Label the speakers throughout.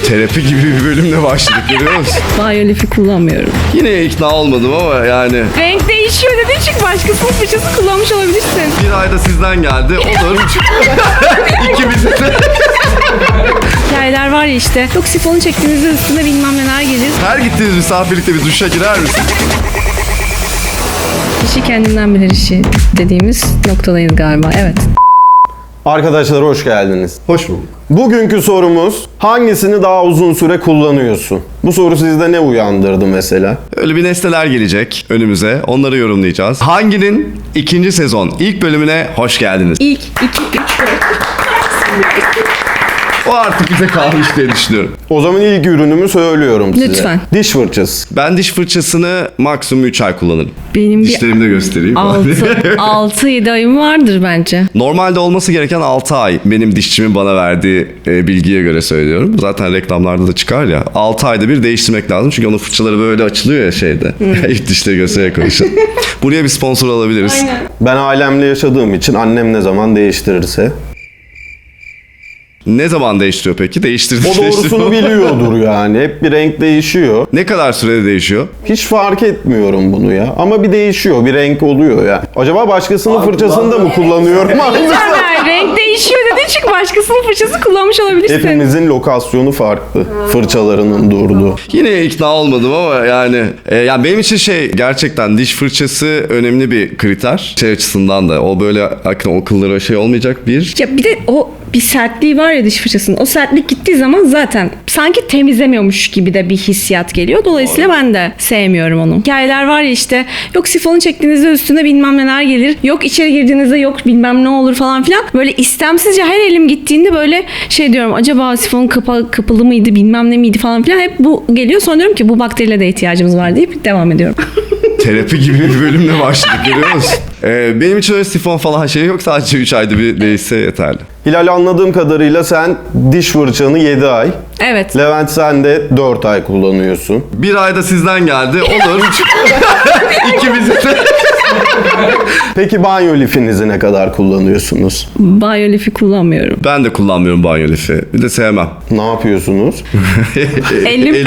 Speaker 1: Terapi gibi bir bölümle başladık, görüyor musun?
Speaker 2: Banyo lifi kullanmıyorum.
Speaker 1: Yine ikna olmadım ama yani.
Speaker 2: Renk değişiyor dediğin için başkasının fırçası kullanmış olabilirsin.
Speaker 1: Bir ayda sizden geldi. Olur. İkimizin de.
Speaker 2: Hikayeler var ya işte. Yok sifonu çektiğinizde üstüne bilmem neler gelir.
Speaker 1: Her gittiğiniz misafirlikte bir duşa girer misin?
Speaker 2: Kişi kendinden bilir işi dediğimiz noktadayız galiba. Evet.
Speaker 3: Arkadaşlar hoş geldiniz.
Speaker 1: Hoş bulduk.
Speaker 3: Bugünkü sorumuz hangisini daha uzun süre kullanıyorsun? Bu soru sizde ne uyandırdı mesela?
Speaker 1: Öyle bir nesneler gelecek önümüze. Onları yorumlayacağız. Hanginin ikinci sezon ilk bölümüne hoş geldiniz.
Speaker 2: İlk 2, 3, 4.
Speaker 1: O artık bize kalmış diye düşünüyorum.
Speaker 3: O zaman ilk ürünümü söylüyorum size.
Speaker 2: Lütfen.
Speaker 3: Diş fırçası.
Speaker 1: Ben diş fırçasını maksimum 3 ay kullanırım.
Speaker 2: Benim bir
Speaker 1: Dişlerimi de göstereyim.
Speaker 2: 6-7 ayım vardır bence.
Speaker 1: Normalde olması gereken 6 ay. Benim dişçimin bana verdiği bilgiye göre söylüyorum. Zaten reklamlarda da çıkar ya. 6 ayda bir değiştirmek lazım. Çünkü onun fırçaları böyle açılıyor ya şeyde. İlk dişleri göstererek konuşalım. Buraya bir sponsor alabiliriz.
Speaker 2: Aynen.
Speaker 3: Ben ailemle yaşadığım için annem ne zaman değiştirirse.
Speaker 1: Ne zaman değiştiriyor peki? Değiştirdi.
Speaker 3: O doğrusunu biliyordur yani. Hep bir renk değişiyor.
Speaker 1: Ne kadar sürede değişiyor?
Speaker 3: Hiç fark etmiyorum bunu ya. Ama bir değişiyor, bir renk oluyor ya. Acaba başkasının fırçasını da mı kullanıyorum?
Speaker 2: Caner, renk değişiyor dediğin için başkasının fırçası kullanmış olabilirsin.
Speaker 3: Hepimizin lokasyonu farklı. Fırçalarının durduğu.
Speaker 1: Yine ikna olmadım ama yani benim için gerçekten diş fırçası önemli bir kriter. Şey açısından da o böyle o kıllara olmayacak bir.
Speaker 2: Ya bir de o bir sertliği var ya diş fırçasının. O sertlik gittiği zaman zaten sanki temizlemiyormuş gibi de bir hissiyat geliyor. Dolayısıyla ben de sevmiyorum onu. Hikayeler var ya işte yok sifonu çektiğinizde üstüne bilmem neler gelir. Yok içeri girdiğinizde yok bilmem ne olur falan filan. Böyle istemsizce her elim gittiğinde böyle diyorum acaba sifon kapalı mıydı bilmem ne miydi falan filan. Hep bu geliyor. Sonra diyorum ki bu bakteriyle de ihtiyacımız var deyip devam ediyorum.
Speaker 1: Terapi gibi bir bölümle başladık, görüyor musun? Benim için öyle sifon falan yok. Sadece 3 ayda bir değişse yeterli.
Speaker 3: Hilal, anladığım kadarıyla sen diş fırçanı 7 ay.
Speaker 2: Evet.
Speaker 3: Levent, sen de 4 ay kullanıyorsun.
Speaker 1: Bir ayda sizden geldi. Olur. İkimizin de.
Speaker 3: Peki banyo lifinizi ne kadar kullanıyorsunuz?
Speaker 2: Banyo lifi kullanmıyorum.
Speaker 1: Ben de kullanmıyorum banyo lifi. Bir de sevmem.
Speaker 3: Ne yapıyorsunuz?
Speaker 2: Elim.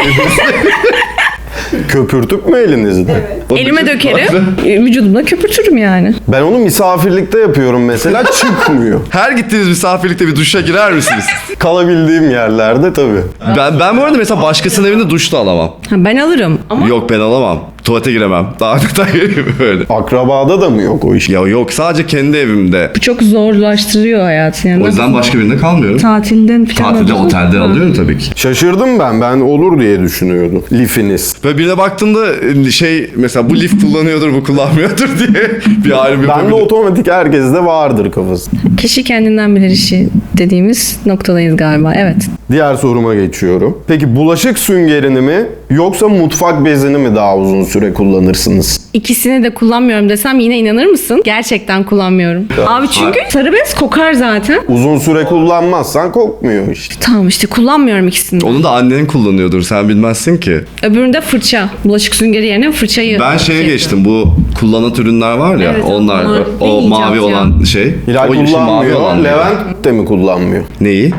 Speaker 3: Köpürtüp mü elinizde?
Speaker 2: Elime dökerim. Vücudumda köpürtürüm yani.
Speaker 3: Ben onu misafirlikte yapıyorum mesela, çıkmıyor.
Speaker 1: Her gittiğiniz misafirlikte bir duşa girer misiniz?
Speaker 3: Kalabildiğim yerlerde tabii.
Speaker 1: Ben bu arada mesela başkasının evinde duş da alamam.
Speaker 2: Ha, ben alırım. Ama
Speaker 1: Yok, ben alamam. Tuvalete giremem. Daha böyle.
Speaker 3: Akrabada da mı yok o iş?
Speaker 1: Ya yok, sadece kendi evimde.
Speaker 2: bu çok zorlaştırıyor hayatı yani.
Speaker 1: O yüzden başka birinde kalmıyorum.
Speaker 2: Tatilden falan.
Speaker 1: Tatilde, otelde
Speaker 2: Ha.
Speaker 1: alıyorum tabii ki.
Speaker 3: Şaşırdım ben. Ben olur diye düşünüyordum. Lifiniz.
Speaker 1: Ve birine baktığımda mesela bu lif kullanıyordur, bu kullanmıyordur diye bir ayrım
Speaker 3: Ben de
Speaker 1: yapabilirim.
Speaker 3: otomatik herkeste vardır kafası.
Speaker 2: Kişi kendinden bilir işi dediğimiz noktadayız galiba. Evet.
Speaker 3: Diğer soruma geçiyorum. Peki bulaşık süngerini mi yoksa mutfak bezini mi daha uzun süre kullanırsınız?
Speaker 2: İkisini de kullanmıyorum desem yine inanır mısın? Gerçekten kullanmıyorum. Abi çünkü sarı bez kokar zaten.
Speaker 3: Uzun süre kullanmazsan kokmuyor işte.
Speaker 2: Tamam işte kullanmıyorum ikisini de.
Speaker 1: Onu da annen kullanıyordur, sen bilmezsin ki.
Speaker 2: Öbüründe fırça. Bulaşık süngeri yerine fırçayı.
Speaker 1: Ben geçtim, bu kullanat ürünler var ya,
Speaker 2: Evet,
Speaker 1: onlar
Speaker 2: onlar
Speaker 1: o
Speaker 2: ne
Speaker 1: mavi
Speaker 2: icat ya?
Speaker 1: olan şey.
Speaker 3: Hilal
Speaker 1: o yeşil mavi
Speaker 3: kullanmıyor.
Speaker 1: olan.
Speaker 3: Levent de mi kullanmıyor?
Speaker 1: Neyi?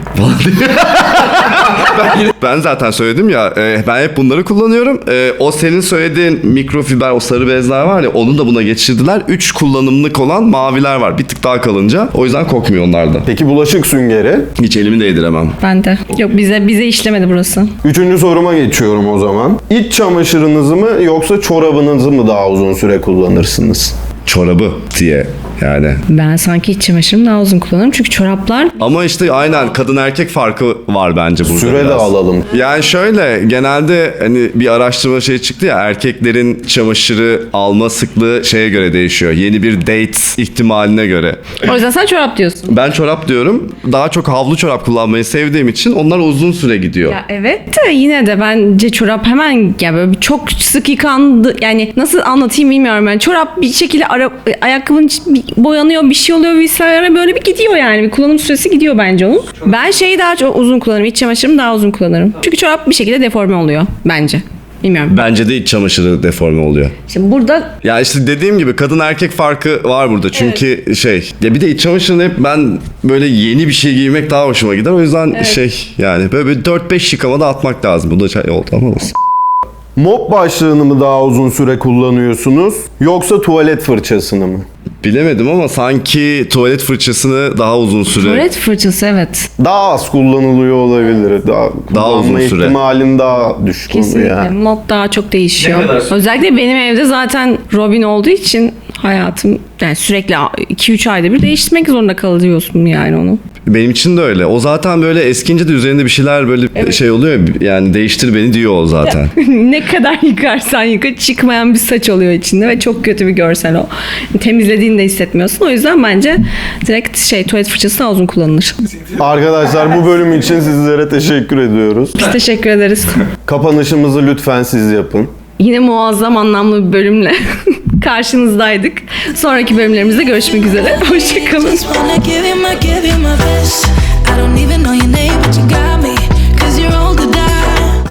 Speaker 1: Ben zaten söyledim ya, ben hep bunları kullanıyorum. O senin söylediğin mikrofiber, o sarı bezler var ya, onu da buna geçirdiler. 3 kullanımlık olan maviler var, bir tık daha kalınca. O yüzden kokmuyor onlarda.
Speaker 3: Peki bulaşık süngeri?
Speaker 1: Hiç elimi değdiremem.
Speaker 2: Ben de. Yok bize işlemedi burası.
Speaker 3: Üçüncü soruma geçiyorum o zaman. İç çamaşırınızı mı yoksa çorabınızı mı daha uzun süre kullanırsınız?
Speaker 1: Çorabı diye yani.
Speaker 2: Ben sanki iç çamaşırımı daha uzun kullanırım. Çünkü çoraplar
Speaker 1: Ama işte aynen kadın erkek farkı var bence burada.
Speaker 3: Süre de
Speaker 1: biraz.
Speaker 3: alalım.
Speaker 1: Yani şöyle, genelde hani bir araştırma çıktı ya, erkeklerin çamaşırı alma sıklığı göre değişiyor. Yeni bir date ihtimaline göre.
Speaker 2: o yüzden sen çorap diyorsun.
Speaker 1: Ben çorap diyorum. Daha çok havlu çorap kullanmayı sevdiğim için onlar uzun süre gidiyor.
Speaker 2: Ya evet de yine de bence çorap hemen ya böyle çok sık yıkandı. Yani nasıl anlatayım bilmiyorum ben. Çorap bir şekilde ayakkabının boyanıyor, bir şey oluyor vesaire, böyle bir gidiyor yani. Bir kullanım süresi gidiyor bence onun. Ben daha çok uzun kullanırım. İç çamaşırımı daha uzun kullanırım. Çünkü çorap bir şekilde deforme oluyor bence. Bilmiyorum.
Speaker 1: Bence de iç çamaşırı deforme oluyor.
Speaker 2: Şimdi burada
Speaker 1: Ya işte dediğim gibi kadın erkek farkı var burada. Çünkü ya bir de iç çamaşırını hep ben böyle yeni bir şey giymek daha hoşuma gider. O yüzden yani böyle 4-5 yıkamada atmak lazım. Bu da şey oldu ama olsun.
Speaker 3: Mop başlığını mı daha uzun süre kullanıyorsunuz yoksa tuvalet fırçasını mı?
Speaker 1: Bilemedim ama sanki tuvalet fırçasını daha uzun süre...
Speaker 2: tuvalet fırçası evet.
Speaker 3: Daha az kullanılıyor olabilir. Daha kullanma
Speaker 1: uzun süre.
Speaker 3: ihtimalin daha düşük oluyor
Speaker 2: Kesinlikle.
Speaker 3: yani.
Speaker 2: Mod daha çok değişiyor.
Speaker 4: Ne kadar?
Speaker 2: Özellikle benim evde zaten Robin olduğu için hayatım yani sürekli 2-3 ayda bir değiştirmek zorunda kalıyorsun yani onu.
Speaker 1: Benim için de öyle. O zaten böyle eskince de üzerinde bir şeyler böyle şey oluyor. Yani değiştir beni diyor o zaten.
Speaker 2: Ne kadar yıkarsan yıka çıkmayan bir saç oluyor içinde ve çok kötü bir görsel o. Temizlediğini de hissetmiyorsun. O yüzden bence direkt tuvalet fırçası daha uzun kullanılır.
Speaker 3: Arkadaşlar bu bölüm için sizlere teşekkür ediyoruz.
Speaker 2: Biz teşekkür ederiz.
Speaker 3: Kapanışımızı lütfen siz yapın.
Speaker 2: Yine muazzam anlamlı bir bölümle karşınızdaydık. Sonraki bölümlerimizde görüşmek üzere. Hoşçakalın.
Speaker 5: Just wanna give you my best. I don't even know your name, but you got me.